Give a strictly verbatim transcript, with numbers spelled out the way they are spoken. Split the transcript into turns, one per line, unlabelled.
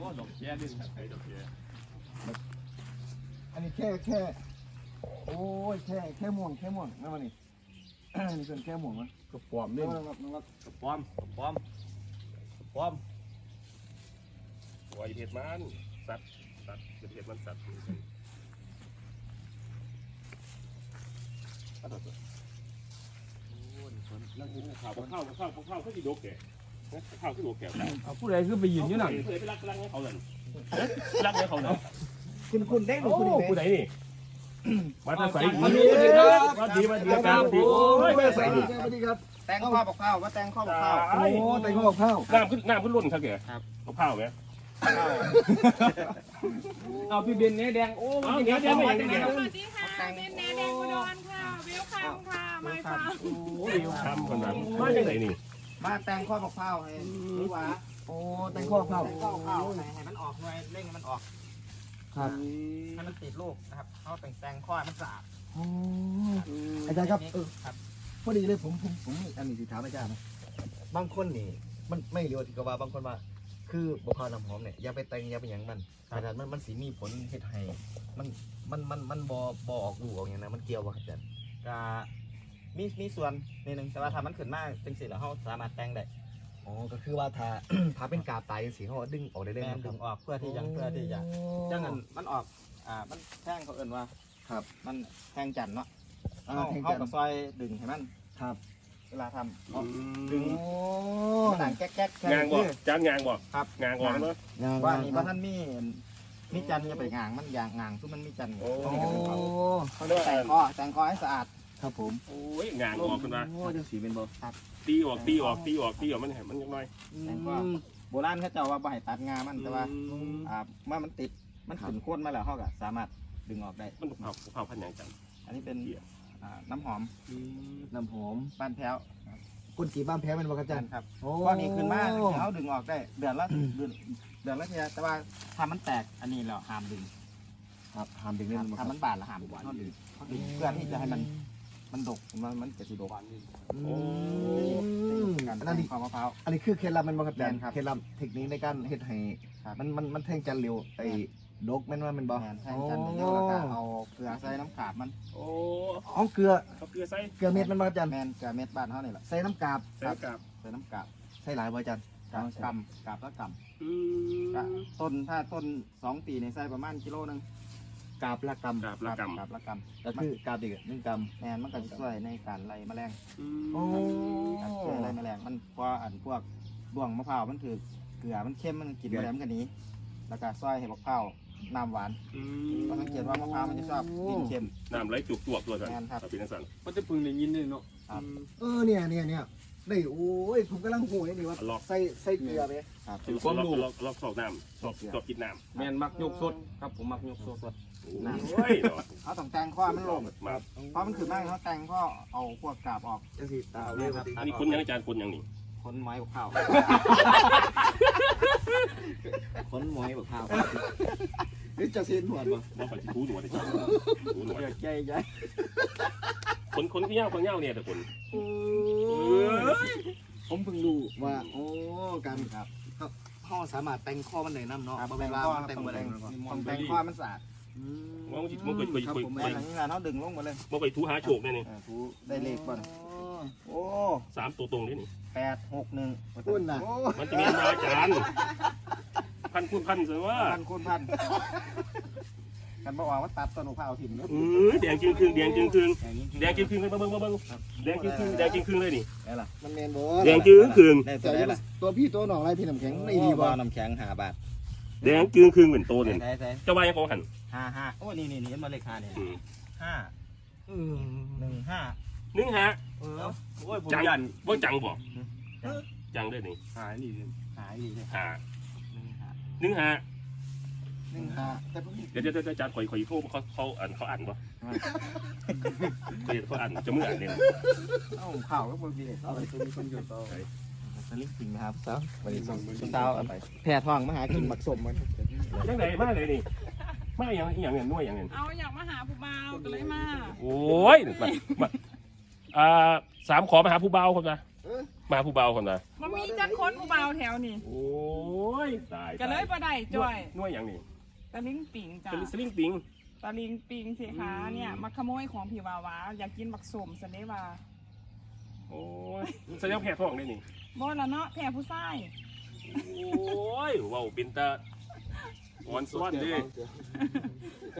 อ้ดอกแย่ดิใส่ดอกแย่
อันนี้แค่แค่โอ้ยแค่แค่ม่วงแค่ม่วงนั่นมันนี่นี่เป็นแค่ม่วงมั้ย
กระป๋อมนี่
นั่นนั่นนั่น
กระป๋อมกระป๋อมกระป๋อมวายเห็ดมันสัตว์สัตว์เห็ดมันสัตว์ข้าวข้าวข้าวข้าวข้าวที่โดกแก่ข้าวที่โดกแก่
เอาผู้ใดคือไปยืนอยู่นั่น
เคยไปรักรักให้เขาเลยรักให้เขาเนาะ
คุณคุณเด้งหรือ
โอ้
คุณเด้ง
ผู้ใดนี่มาตั้งใส่ดี
มาดูกันครับ
มาดีมาดีกันดี
โอ้
โอ้
ย
ย
ไม่
ไม่
ใส่
ใส่
ดี
ดี
สวัสดีครับ
แตงข้าวบอกข้าวว่าแตงข้าวบอกข้าว
โอ้แต่งข้าวข้าว
น้ำขึ้นน้ำขึ้นล้นครับแกเอาข้าวไหม
เอาพี่เบนเนี่ยแดงโอ้
เอาเดี๋ยวเดี๋ยวไม่เดี๋ยว
สวัสดีค่ะเป็นแนแดงอุดรค่ะเวลคัมค่ะไม่ค่ะ
โอ้ยทำคนนั้นมาจากไหนนี่
มาแตงข้าวบอกข้าวให้รู้ว่า
โอ้แต่งข้าวข้าว
แตงข้าวข้าวให้ให้มันออกหน่วยเร่งให้มันออก
ครับ
ให้มันติดลูกนะครับเขาแต่งแตงข้าวให้มันสะอาด
โอ้อาจารย์ครับเออ
ครับ
พอดีเลยผมผมผมอันนี้สิถามอาจารย์นะบางคนนี่มันไม่รู้ที่กว่าบางคนว่า คือบุคคลน้ำหอมเนี่ยอย่าไปแต่งอย่าไปหยังมันอาจารย์มันมันสีมีผลเฮ็ดให้มันมันมันมันบอบอออกลูกออกอย่างนั้นมันเกี่ยวว่าอาจารย์
ก็มีมีส่วนนิดนึงแต่ว่าถ้ามันขึ้นมากจังสิแล้วเขาสามารถแต่งได้
อ๋อก็คือว่าถ้า ถ้าเป็นกาบตายสีเขาดึงออกได้เลย
แม่
นะค
ดึ
รับ
งออกเพื่อที่จะเพื่อที่จะจังนั้นมันออกอ่ามันแท่งเขาเอิ่นว่า
ครับ
มันแทงจันทร์เนาะ
อ่า
เขา
แทง
เขา
จัน
กับ
ทร์
ซอยดึงให้มัน
ครับ
เวลาทำ
ดึ
ดึ
ง
ง
โอ้
มันหนังแก๊กแก๊กแค่
งานบ่
นี้
จานงานบ่
ครับ
งานก่อนเนาะ
งาน
ว่านี่ว่าท่านมีมีจันทร์อย่าไปงางมันอย่างงางซึ่งมันมีจันทร์
โอ้
โอ้
เขาเรียกว่าแต่งคอแต่งคอให้สะอาด
ครับผม
โอ้ยงานออกขึ้นมา
โอ้จังสีเป็นบ่
ตีออกตีออกตีออกตีออกมันเห็นมันยังน้อย
แต่งคอโบราณเขาเจ้าว่าบ่ให้ตัดงามันแต่ว่าอ่าเมื่อมันติดมันขึ้นโค่นมาแล้วเขาก็สามารถดึงออกได้
มันเผาเผาพันอย่างจัง
อันนี้เป็นอ่าน้ำหอม
น้ำหอม
บ้านแพ้ว
ก้นกีบ้านแพ้เป็นบ่ครับอา
จั
จาร
น
ย์
ครับ
โอ้
ก้อนนี้ขึ้นมาเขาดึงออกได้เดือนละเดือนเดือนละทีแต่ว่าถ้ามันแตกอันนี้เราห้ามดึง
ครับหามดึงเล่นบ่ค
ถ้า
รับ
มันบาดเราห้ามดึงเขาดึงเขาดึงเพื่อที่จะให้มันมันดกมันมันจะสิดก
โอ้
การ
อัน
แต่
นั้น
ง
นี่
ข้าวมะพร้าว
อันนี้คือเคล็ดลับแมันบ่ครับอาจารย์
แม่นครับ
เคล็ดลับเทคนิคในการเฮ็ดให้
ครับ
มันมันมันแทงจันเร็วไอ้ดกแม่นว่าแมันบ่
แมนแทงจันทร์เดียวแล้วก็เอาเกลือใส่น้ำกาบมัน
โอ้
เอาเกลือ
เขาเกลือใส่
เกลือเม็ดมันบ่ครับอาจารย์
แมนเกลือเม็ดบ้านเขานี่แหละ
ใส่น้ำกาบ
ใส่กับ
ใส่น้ำกาบ
ใส่หลายบ่อาจารย์
กาบกำกาบละก
อื
ำกะ
ม
ต้นถ้าต้นสองปีในใส่ประมาณกิโลนึง
กาบละกำ
กับละกำ
กาบละก
ก็คือกาบอีกหนึ่งก
ำแมนมันก็จะช่วยในการไล่แมลง
ำโอ้
การช่วยไล่แมลงมันพออันพวกบ่วงมะพร้าวมันถือเกลือมันเข้มมันกินแมลงมันก็หนีแล้วก็ซอยให้มะพร้าวน้ำหวานเพราะสังเกตว่ามะพร้าวมันจะชอบกินเค็ม
น้ำไหลจุกจวกตัวสัน
แม่นครับ
เป็นนักสัน
มันจะพึงได้ยินเลยเนาะ
ครับ
เออเนี่ยเนี่ยเนี่ยได้โอ้ยผมกำลังโหยนี่ว่า
ล็อก
ใส่ใส่เกลือไหม
ครับ
ถือความรู้ล็อกล็อกสอบน้ำสอบสอบกินน้ำ
แมนมักยกสดครับผมมักยกสดสด
โอ้ย
เขาต้องแต่งข้อมันลง
มา
เพราะมันขึ้นมากเขาแต่งข้อเอาพวกกาบออก
จังสิตาเอาเลย
ครับ
อันนี้คุณยังอาจารย์คุณยังนี่
ขนไม้บกข้าวขนไม้บกข้าว
เฮ้ยจะเซ็นหัวบ่
ว่าไปทูหนวดเลยทูหนวด
ใหญ่ใหญ่
คนคนที่เงาคนเงาเนี่ยแต่คน
ผมเพิ่งรู้ว่าโอ้การครับพ่อสามารถแต่งข้อมันได้น้ำเนาะ
ครับ
บ่
แต่
แม่
ง
นว่า
ข้อ
มันแต่งบ่ได้
ต้องแต่งข้อมันสะอาด
อืม
ว่ามันมันเคยเคย
ครับ
เคย
ผม
แต่ทางนี้นะเขาดึงลงมาเลย
มาไปทูหาโฉกเนี่ยนี่
ถูได้เลขบ่นโอ้
สามตัวตรงนี่นี่
แปดหกหนึ่ง
คุณน่ะ
มันจะมีอาจารย์พันคุณพันเสว่า
พันคูณพันกันบอกว่าตัดต้นมะพร้าวถิ่มเนาะ
เออแดงจึงคืงแดงจึงคืง
อย่างนี้
แดงจึงคืงเลยเบิ้งเบิ้งเบิ้งแดงจึงคืงแดงจึงคืงเลยนี่
ได้ละ
มันแมนบ่
แดงจึงคืง
ได้ตั
แต่
วได้ละ
ตัวพี่ตัวน้องอะไรพี่น้ำแข็งไม่ดีบ่
น้ำแข็งห้าบาท
แดงจึงคืงเหมือนโตเนี่ย
ใช่ใช่
เจ้าว่ายังของหัน
ห้าห้าโอ้นี่นี่นี่มาเลขห้าเนี่ยห้า
อืม
หนึ่งห้า
นึ่งฮะ
เออ
โอ้ยผม
จัง
ยัน
ว่าจังบอกจังด้วยนี่
หายนี่
หายดีเลย
หา
หนึ่งห้า
นึ่งฮะ
หนึ่งห้าแต่พวกนี้
เดี๋ยวเดี๋ยวอาจารย์คอยคอยโทษเขาเขาอ่านเขาอ่านปะเขาเขาอ่านจะมืออ่านเนี่ย
เอ้าข่าวก็บางทีเอาไปตัวมีคนอยู่ต่อสลิปจริงนะครับสาววันนี้ส่งสาวเอาไปแพร่ท้องมาหากินหมักสมมัน
ยังไงมาเลยนี่มาอย่างอย่างเงี้ยนุ่ยอย่างเงี้ย
เอาอยากมาหาผู้บ่าวก็เลยมา
โอ้ยมามาอ่าสามขอมาหาผู้เบาครับนะมมาผู้เบาคนละ
มันมีจักคนอุบาวแถวนี่
โอ้ยตาย
ก็เลยบ่ได้จ้อย
หน่วยอย่างนี้
ตะลิงปิงจ้ะ
เป็นสลิงปิง
ตะลิงปิงสิคะเนี่ยมาขโมยของพี่วาวาอยากกินบักสมสเนว่า
โอ้ยแสดงแพ้ท้องได้นี่
บ่ละเนาะแพ้ผู้ชาย
โอ้ยเว้าเป็นตาอ่อนซ้อนเดิ